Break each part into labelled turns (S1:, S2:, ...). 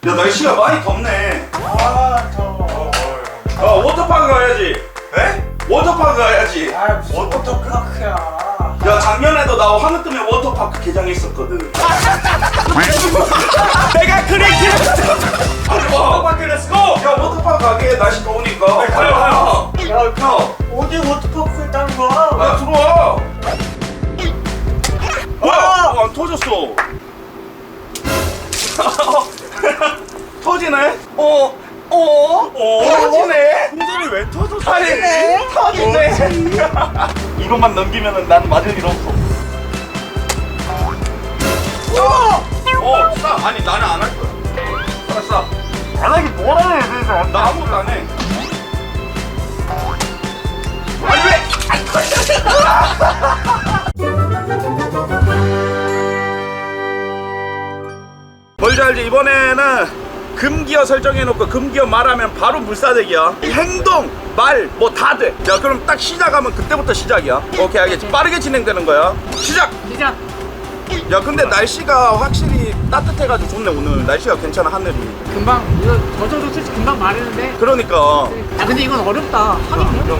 S1: 야 날씨가 많이 덥네.
S2: 아 더워.
S1: 워터파크 가야지.
S2: 에?
S1: 워터파크 가야지.
S2: 아 무슨 워터파크야.
S1: 야 작년에도 나 하늘 뜨면 워터파크 개장했었거든. 내가 그래 아니 뭐
S2: 워터파크 렛츠고.
S1: 야 워터파크 가게 날씨 더우니까.
S2: 네, 가요.
S1: 야
S2: 어디 워터파크에 있다는 거야?
S1: 야 들어와. 뭐야? 안 터졌어. 터지네? 터지네?
S2: 풍선이 왜 터졌어?
S1: 터지네? 터지네? 이것만 넘기면은 난 맞을 일 없어. 싸. 아니 나는 안 할 거야. 싸.
S2: 안 하기 뭐라 해?
S1: 나 아무것도 안 해. 아니 왜? 뭔지 알지? 이번에는 금기어 설정해놓고 금기어 말하면 바로 물사대기야. 행동, 말 뭐 다 돼. 야 그럼 딱 시작하면 그때부터 시작이야. 오케이 알겠지? 빠르게 진행되는 거야. 시작!
S3: 시작.
S1: 야 근데 날씨가 확실히 따뜻해가지고 좋네. 오늘 날씨가 괜찮아. 하늘이.
S3: 금방 이거 저도 솔직히 금방 말했는데.
S1: 그러니까
S3: 아 근데 이건 어렵다. 하긴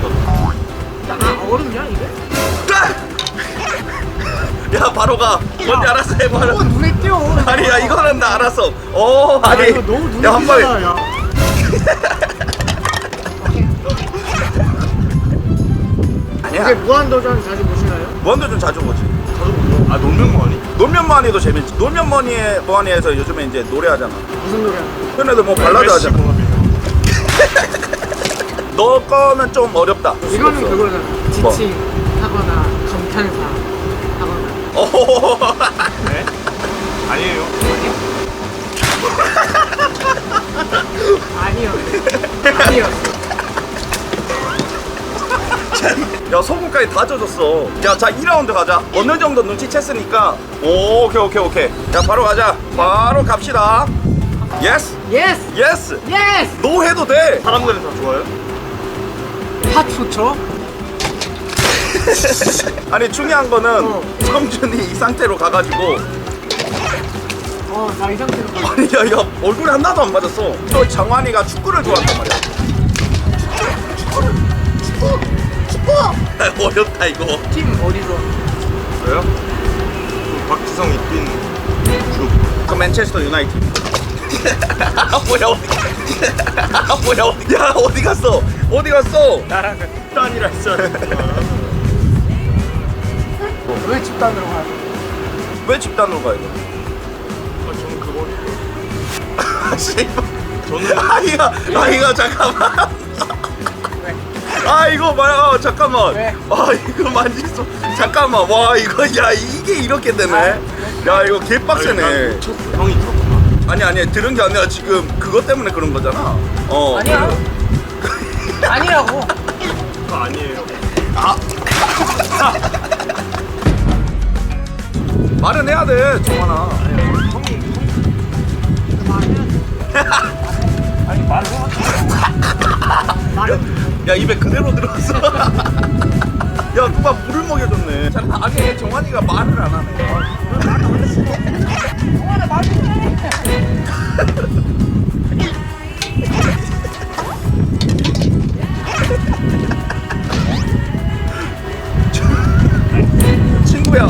S3: 아 어렵냐 이게?
S1: 야 바로 가. 뭔지 알았어 해 바로.
S3: 너무 눈에 띄어.
S1: 아니 야 이거는 나 알았어. 오 아니
S3: 이거 너무 눈에
S1: 야 한 번에
S3: 띄잖아. 야.
S1: 아니야.
S3: 이제 무한도전 자주 보시나요?
S1: 무한도전 자주 보지. 아 놀면뭐하니? 놀면뭐하니도 재밌지. 놀면뭐하니에서 요즘에 이제 노래하잖아.
S3: 무슨 노래?
S1: 근데도 뭐 발라드 하잖아. 너 거는 좀 어렵다.
S3: 이거는 그거잖아.
S1: 뭐?
S3: 지칭하거나 감탄사 하거나.
S1: 오.
S2: 네? 아니에요.
S3: 아니요. 아니었어.
S1: 야 소금까지 다 젖었어. 자 2라운드 가자. 어느 정도 눈치챘으니까. 오케이. 야 바로 가자. 바로 갑시다. 예스.
S3: 예스.
S1: 예스.
S3: 예스.
S1: 노 해도 돼.
S2: 사람들은 다 좋아요?
S3: 핫 좋죠?
S1: 아니 중요한 거는 성준이 이 상태로 가가지고
S3: 나 이 상태로 가.
S1: 아니 야 얼굴에 하나도 안 맞았어. 또 장환이가 축구를 좋아한단 말이야. 축구 어렵다 이거.
S3: 팀 어디서?
S2: 저요? 그 박지성이 뛴 주.
S1: 그 맨체스터 유나이티드. 뭐야 어디 야 어디 갔어
S2: 나랑 집단이라 했어요.
S3: 왜 집단으로 가요?
S1: 왜 집단으로 가야 돼?
S2: 저는 그거.
S1: 저는 아이가 잠깐만. 아 이거 봐요 잠깐만.
S3: 왜?
S1: 아 이거 만지소. 잠깐만 와 이거 야 이게 이렇게 되네. 야 이거 개빡세네.
S2: 형이 들었구나.
S1: 아니 들은 게 아니라 지금 그것 때문에 그런 거잖아.
S3: 아니야. 아니라고.
S2: 그거 아니에요.
S1: 말은 해야 돼 정환아.
S2: 아니 말을
S1: 야 입에 그대로 들어갔어. 야 누가 물을 먹여줬네. 잘 아니 정환이가 말을 안 하네. 친구야.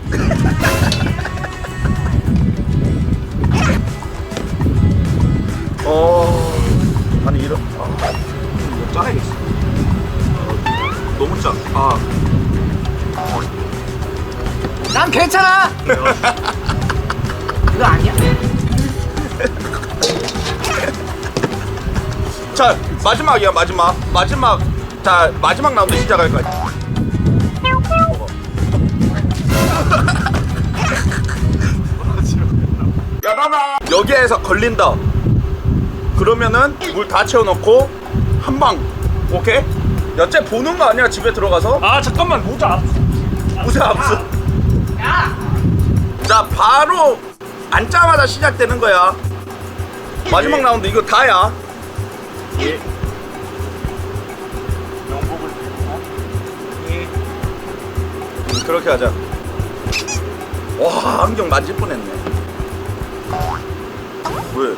S1: 아니 이런 이거 짜야겠어. 너무 짜.
S3: 난 괜찮아. 그거 아니야?
S1: 자 마지막이야 마지막. 자 마지막 라운드 시작할 거야. 야 나나 여기에서 걸린다. 그러면은 물 다 채워놓고 한 방. 오케이? 야쟤 보는 거 아니야 집에 들어가서?
S2: 아 잠깐만 모자.
S1: 무쇠 압수. 자 바로 앉자마자 시작되는 거야. 마지막 라운드 이거 다야.
S2: 예. 명복을 빌고. 예.
S1: 그렇게 하자. 와 안경 만질 뻔했네. 왜?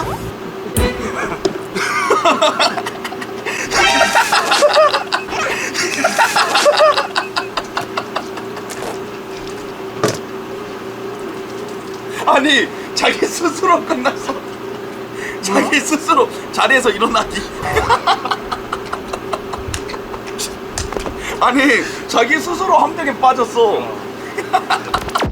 S1: 아니 자기 스스로 끝났어. 자기 스스로 자리에서 일어나기. 아니 자기 스스로 함정에 빠졌어.